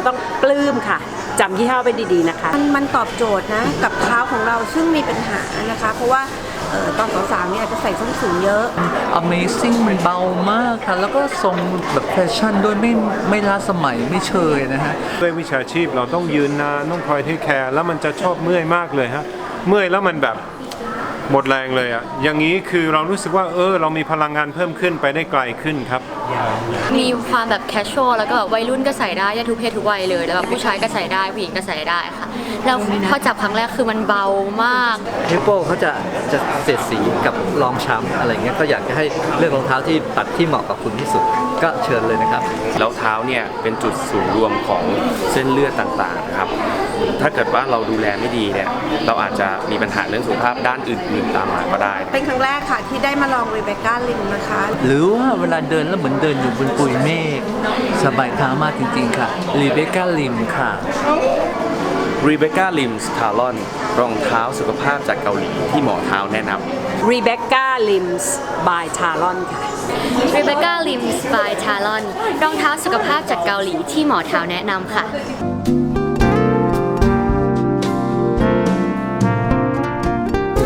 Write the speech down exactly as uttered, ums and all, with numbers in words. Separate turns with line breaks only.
ต้องปลื้มค่ะจำยี่ห้อไปดีๆนะคะ
มันมันตอบโจทย์นะกับเท้าของเราซึ่งมีปัญหานะคะเพราะว่าเอ่อตอนสาวๆเนี่ยอาจจะใส่ส้นสูงเยอะ
Amazing มันเบามากค่ะแล้วก็ทรงแบบแฟชั่นด้วยไม่ไม่ล้าสมัยไม่เชยนะฮะ
ด้วยวิชาชีพเราต้องยืนนานต้องคอยเทคแคร์แล้วมันจะชอบเมื่อยมากเลยฮะเมื่อยแล้วมันแบบหมดแรงเลยอะอย่างนี้คือเรารู้สึกว่าเออเรามีพลังงานเพิ่มขึ้นไปได้ไกลขึ้นครับ
มีความแบบแคชชวลแล้วก็แบบวัยรุ่นก็ใส่ได้ได้ทุกเพศทุกวัยเลยแล้วแบบผู้ชายก็ใส่ได้ผู้หญิงก็ใส่ได้ค่ะแล้วพอจับครั้งแรกคือมันเบามาก
ฮิปโปเขาจะจะเสียดสีกับรองช้ำอะไรเงี้ยก็อยากจะให้เลือกรองเท้าที่ตัดที่เหมาะกับคุณที่สุดก็เชิญเลยนะครับ
แล้วเท้าเนี่ยเป็นจุดศูนย์รวมของเส้นเลือดต่างๆนะครับถ้าเกิดว่าเราดูแลไม่ดีเนี่ยเราอาจจะมีปัญหาเรื่องสุขภาพด้านอื่นๆตามมาก็ได้
เป็นครั้งแรกค่ะที่ได้มาลองรีเบคก้าลิมนะคะ
หรือว่าเวลาเดินแล้วเหมือนเดินอยู่บนปุยเมฆสบายเท้ามากจริงๆค่ะรีเบคก้าลิมค่ะ
Rebecca Lims Talon รองเท้าสุขภาพจากเกาหลีที่หมอเท้าแนะนำ
Rebecca Lims by Talon ค่ะ
Rebecca Lims by Talon รองเท้าสุขภาพจากเกาหลีที่หมอเท้าแนะนำค่ะ